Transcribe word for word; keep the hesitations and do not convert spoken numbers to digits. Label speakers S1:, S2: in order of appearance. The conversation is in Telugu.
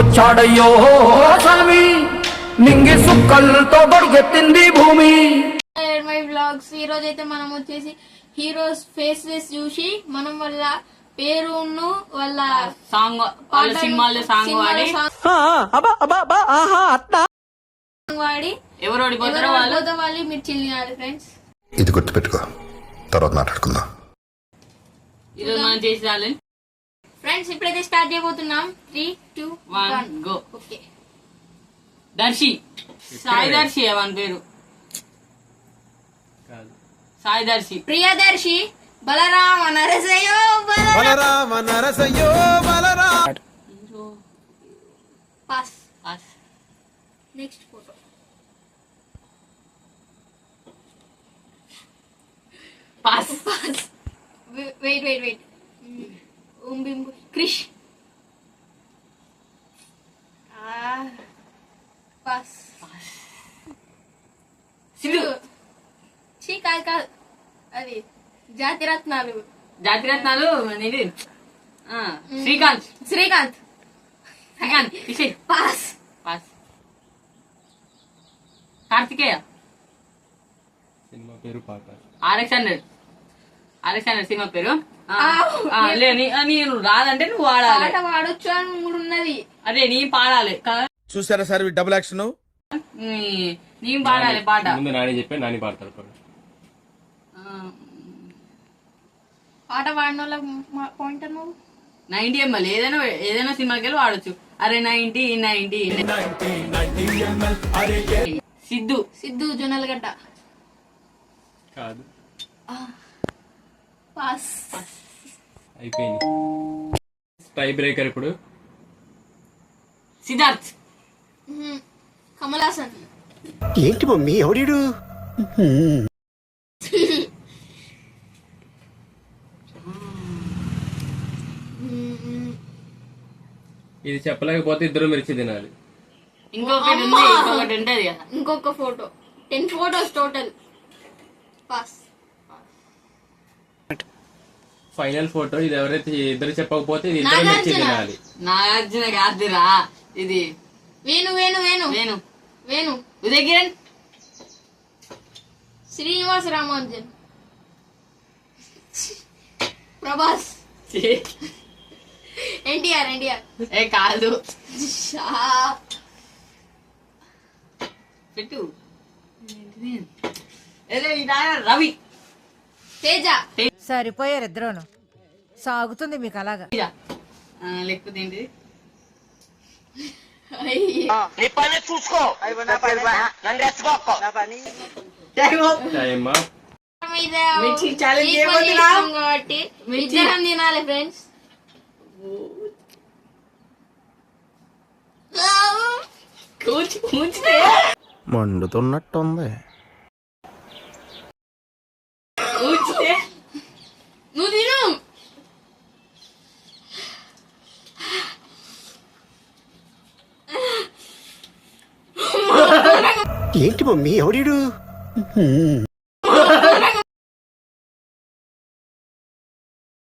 S1: వచ్చాడయ్యో స్వామి నింగి సుక్కలతో బడిగెత్తింది భూమి.
S2: మై వ్లాగ్స్ ఈ రోజు అయితే మనం వచ్చేసి హీరోస్ ఫేసెస్ చూసి మనం వాళ్ళ పేరును వాళ్ళ
S3: సాంగ్ వాళ్ళ సినిమాల్లో సాంగ్ వాడి
S2: వాడి
S3: ఎవరు ఓడిపోతారో వాళ్ళు
S2: వాళ్ళు మీరు చిల్లినారు ఫ్రెండ్స్.
S4: ఇది గుర్తుపెట్టుకో, తర్వాత మాట్లాడుకుందాం.
S3: ఈరోజు మనం చేసి రాలేదు
S2: ఫ్రెండ్స్. ఇప్పుడైతే స్టార్ట్ చేయబోతున్నాం. Three two
S3: one go.
S2: Okay.
S3: Darshi Sai Darshi అవన్ పేరు సాయి దర్శి.
S2: ప్రియదర్శి బలరామ నరసయ్యో
S5: బలరామ నరసయ్యో Balarama.
S2: Pass
S3: pass.
S2: Next photo.
S3: Pass
S2: pass. Wait wait wait Krish. Pass.
S3: Siddhu.
S2: చీ కాదు కాదు అది జాతిరత్నాలు.
S3: జాతిరత్నాలు అనేది శ్రీకాంత్.
S2: శ్రీకాంత్.
S3: శ్రీకాంత్ విషయ్.
S2: పాస్.
S3: పాస్. కార్తికేయ.
S5: సినిమా పేరు పాట.
S3: RX hundred. ఆర్ఎక్స్ హండ్రెడ్ సినిమా పేరు. లే నేను రాదంటే నువ్వు వాడాలి.
S2: పాట పాడొచ్చు అని మూడు ఉన్నది.
S3: అదే నీ పాడాలి.
S5: చూసారా సార్ డబుల్ యాక్షన్.
S3: నీ పాడాలి పాట.
S5: ముందు నాని చెప్పి నాని పాడతాడు.
S2: పాట పాడిన వాళ్ళ పాయింటర్ నువ్వు
S3: నైన్టీ ఎంఎల్ ఏదైనా ఏదైనా సినిమాకి వెళ్ళి వాడచ్చు. అరే నైన్టీ నైన్టీ. సిద్ధు.
S2: సిద్ధు జొన్నలగడ్డ.
S5: కాదు.
S2: పాస్.
S5: అయిపోయింది. టై బ్రేకర్ ఇప్పుడు.
S3: సిద్ధార్థ్.
S2: కమల్ హాసన్.
S6: ఏంటి మమ్మీ ఎవడీడు?
S5: ఇది చెప్పలేకపోతే ఇద్దరు మిర్చి తినాలి.
S3: ఇంకొకటి ఉంది, ఇంకొకటి ఉంటది కదా.
S2: ఇంకొక photo. Ten photos total. Pass.
S5: Final photo. ఇది ఎవరైతే ఇద్దరు చెప్పకపోతే ఇది ఇద్దరు మిర్చి తినాలి.
S3: నాగార్జున కాదురా ఇది.
S2: వేణు వేణు వేణు
S3: వేణు
S2: వేణు
S3: ఉదయ్ కిరణ్.
S2: శ్రీనివాస రామానుజన్. ప్రభాస్. ఎన్టీఆర్ ఎన్టీఆర్.
S3: ఏ కాదు పెట్టు. రవి.
S2: తేజ.
S7: సరిపోయారు ఇద్దరును. సాగుతుంది మీకు అలాగా.
S3: లేకపోతే ఏంటి
S2: కాబట్టి ఇద్దరం తినాలి ఫ్రెండ్స్.
S6: మండుతున్నట్టుంది.
S2: నువ్వు తిను.
S6: ఏంటి మమ్మీ ఎవడీడు?